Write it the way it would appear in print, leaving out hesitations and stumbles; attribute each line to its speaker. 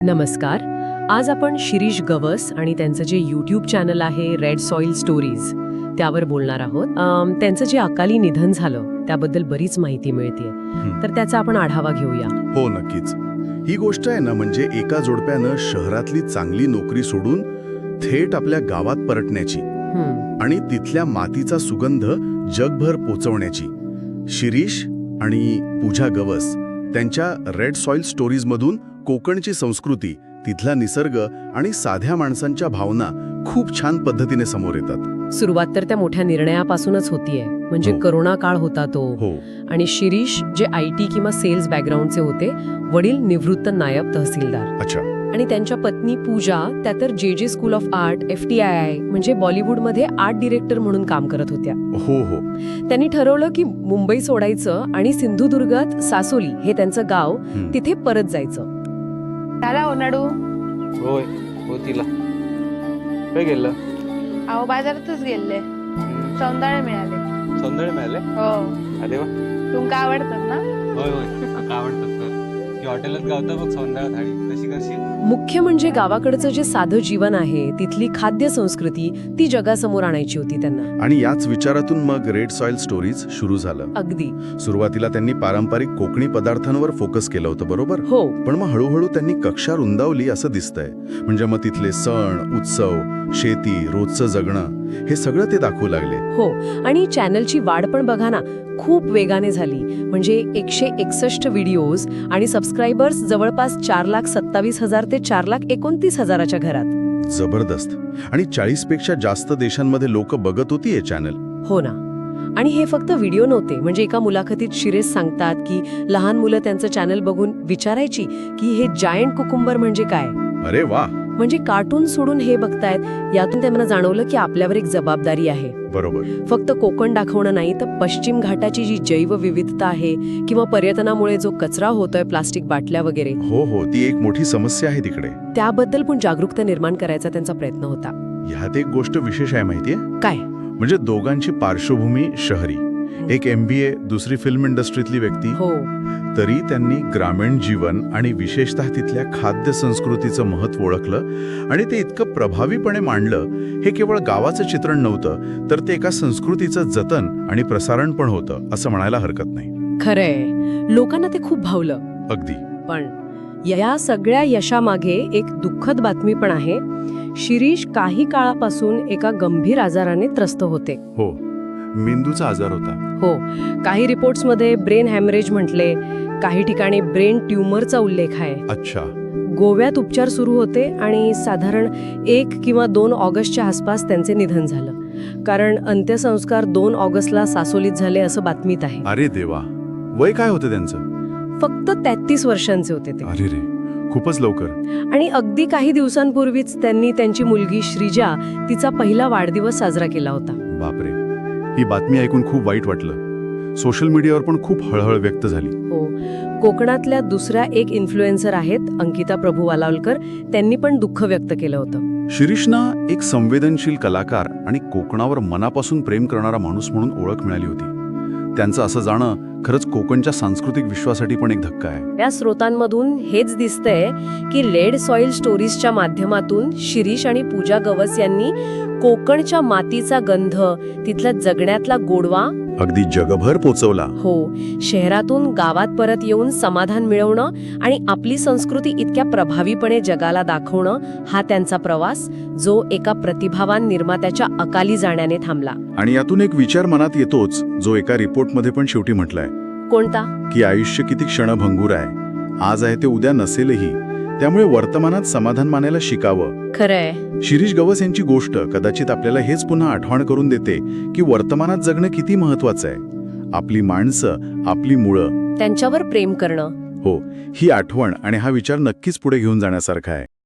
Speaker 1: नमस्कार. आज आपण शिरीष गवस आणि त्यांचं जे यूट्यूब चॅनल आहे रेड सॉइल स्टोरीज त्यावर बोलणार आहोत. त्यांचं जे अकाली निधन झालं त्याबद्दल बरीच माहिती मिळतेय, तर त्याचा आपण आढावा घेऊया.
Speaker 2: हो, नक्कीच. ही गोष्ट आहे ना, म्हणजे एका जोडप्यानं शहरातली चांगली नोकरी सोडून थेट आपल्या गावात परतण्याची आणि तिथल्या मातीचा सुगंध जगभर पोचवण्याची. शिरीष आणि पूजा गवस त्यांच्या रेड सॉइल स्टोरीजमधून कोकणची संस्कृती, तिथला निसर्ग आणि साध्या माणसांच्या भावना खूप छान पद्धतीने समोर येतात.
Speaker 1: सुरुवात तर त्या मोठ्या निर्णयापासूनच होतीये, म्हणजे करोना काळ होता तो. आणि शिरीष जे IT किंवा सेल्स बॅकग्राऊंडचे होते, वडील निवृत्त नायब तहसीलदार.
Speaker 2: अच्छा.
Speaker 1: आणि त्यांच्या पत्नी पूजा त्या तर JJ school of art FTII म्हणजे बॉलिवूडमध्ये आर्ट डिरेक्टर म्हणून काम करत होत्या.
Speaker 2: हो.
Speaker 1: त्यांनी ठरवलं की मुंबई सोडायचं आणि सिंधुदुर्गात सासोली हे त्यांचं गाव, तिथे परत जायचं.
Speaker 3: झाला ओनाडू.
Speaker 4: होय होतीला काय गेलं?
Speaker 3: अहो बाजारातच गेले, सौंदाळे मिळाले.
Speaker 4: सौंदर्य मिळाले?
Speaker 3: हो.
Speaker 4: अरे वा.
Speaker 3: तुमका आवडतात ना?
Speaker 4: होय काका आवडतात. की हॉटेलात गावता बघ सौंदर्य थाळी, कशी करशील?
Speaker 1: मुख्य म्हणजे गावाकडचं जे साधं जीवन आहे, तिथली खाद्य संस्कृती, ती जगासमोर आणायची होती त्यांना.
Speaker 2: आणि याच विचारातून मग रेड सॉइल स्टोरीज सुरू झालं.
Speaker 1: अगदी.
Speaker 2: सुरुवातीला त्यांनी पारंपरिक कोकणी पदार्थांवर फोकस केलं होतं, बरोबर?
Speaker 1: हो.
Speaker 2: पण मग हळूहळू त्यांनी कक्षा रुंदावली असं दिसतंय. म्हणजे मग तिथले सण, उत्सव, शेती, रोजचं जगणं हे सगळं ते दाखवू लागले.
Speaker 1: हो. आणि चॅनलची वाढ पण बघा ना, खूप वेगाने झाली. म्हणजे 161 व्हिडिओज आणि सबस्क्रायबर्स जवळपास 4,27,000 ते 4,29,000च्या घरात.
Speaker 2: जबरदस्त. आणि 40 पेक्षा जास्त देशांमध्ये लोक बघत होती हे चॅनल.
Speaker 1: हो ना. आणि हे फक्त व्हिडिओ नव्हते. म्हणजे एका मुलाखतीत शिरीष सांगतात की लहान मुलं त्यांचं चॅनल बघून विचारायची की हे जायंट कुकुंबर म्हणजे काय.
Speaker 2: अरे वा.
Speaker 1: म्हणजे कार्टून सोडून हे बघतायत. यातून त्यांना जाणवलं की आपल्यावर एक जबाबदारी आहे.
Speaker 2: बरोबर.
Speaker 1: फक्त कोकण दाखवणं नाही, तर पश्चिम घाटाची जी जैवविविधता आहे किंवा पर्यटनामुळे जो कचरा होतोय, प्लास्टिक बाटल्या वगैरे,
Speaker 2: हो, ती एक मोठी समस्या आहे तिकडे.
Speaker 1: त्याबद्दल पण जागरूकता निर्माण करायचा त्यांचा प्रयत्न होता.
Speaker 2: ह्यात एक गोष्ट विशेष आहे माहितीये
Speaker 1: काय?
Speaker 2: म्हणजे दोघांची पार्श्वभूमी शहरी. एक MBA, दुसरी फिल्म इंडस्ट्रीतली व्यक्ती.
Speaker 1: हो.
Speaker 2: तरी त्यांनी ग्रामीण जीवन आणि विशेषतः तिथल्या खाद्य संस्कृतीचं महत्त्व ओळखलं आणि ते इतकं प्रभावीपणे मांडलं. हे केवळ गावाचं चित्रण नव्हतं, तर ते एका संस्कृतीचं जतन आणि प्रसारण पण होतं, असं म्हणायला हरकत नाही.
Speaker 1: खरंय, लोकांना ते खूप भावलं.
Speaker 2: अगदी.
Speaker 1: पण या सगळ्या यशामागे एक दुःखद बातमी पण आहे. शिरीष काही काळापासून एका गंभीर आजाराने त्रस्त होते.
Speaker 2: हो, मेंदूचा आजार होता.
Speaker 1: हो. काही रिपोर्ट्समध्ये ब्रेन हॅमरेज म्हटले, काही ठिकाणी ब्रेन ट्यूमरचा उल्लेख आहे.
Speaker 2: अच्छा.
Speaker 1: गोव्यात उपचार सुरू होते आणि साधारण 1 किंवा 2 ऑगस्टच्या आसपास त्यांचे निधन झालं. कारण अंत्यसंस्कार 2 ऑगस्टला सासोलीत झाले असं बातमीत आहे.
Speaker 2: अरे देवा. वय काय होतं त्यांचं?
Speaker 1: फक्त 33 वर्षांचे होते ते.
Speaker 2: अरे रे, खूपच लवकर.
Speaker 1: आणि अगदी काही दिवसांपूर्वीच त्यांनी त्यांची मुलगी श्रीजा, तिचा पहिला वाढदिवस साजरा केला होता.
Speaker 2: बापरे. ही बातमी ऐकून खूप वाईट वाटलं. सोशल मीडियावर पण खूप हळहळ व्यक्त झाली.
Speaker 1: हो. कोकणातल्या दुसऱ्या एक इन्फ्लुएन्सर आहेत अंकिता प्रभू वालावलकर, त्यांनी पण दुःख व्यक्त केलं होतं.
Speaker 2: शिरीषना एक संवेदनशील कलाकार आणि कोकणावर मनापासून प्रेम करणारा माणूस म्हणून ओळख मिळाली होती. त्यांचं असं जाणं खरंच कोकणच्या सांस्कृतिक विश्वासाठी पण एक धक्का आहे.
Speaker 1: या स्रोतांमधून हेच दिसतंय की रेड सॉइल स्टोरीजच्या माध्यमातून शिरीष आणि पूजा गवस यांनी कोकणच्या मातीचा गंध, तिथला जगण्यातला गोडवा
Speaker 2: अगदी जगभर पोचवला.
Speaker 1: हो. शहरातून गावात परत येऊन समाधान मिळवणं आणि आपली संस्कृती इतक्या प्रभावीपणे जगाला दाखवणं, हा त्यांचा प्रवास, जो एका प्रतिभावान निर्मात्याच्या अकाली जाण्याने थांबला.
Speaker 2: आणि यातून एक विचार मनात येतोच, जो एका रिपोर्टमध्ये पण शेवटी म्हटलाय.
Speaker 1: कोणता?
Speaker 2: की आयुष्य किती क्षणभंगूर आहे. आज आहे ते उद्या नसेलही. त्यामुळे वर्तमानात समाधान मानायला शिकावं.
Speaker 1: खरंय.
Speaker 2: शिरीष गवस यांची गोष्ट कदाचित आपल्याला हेच पुन्हा आठवण करून देते की वर्तमानात जगणं किती महत्वाचं आहे. आपली माणसं, आपली मुळं,
Speaker 1: त्यांच्यावर प्रेम करणं.
Speaker 2: हो, ही आठवण आणि हा विचार नक्कीच पुढे घेऊन जाण्यासारखा आहे.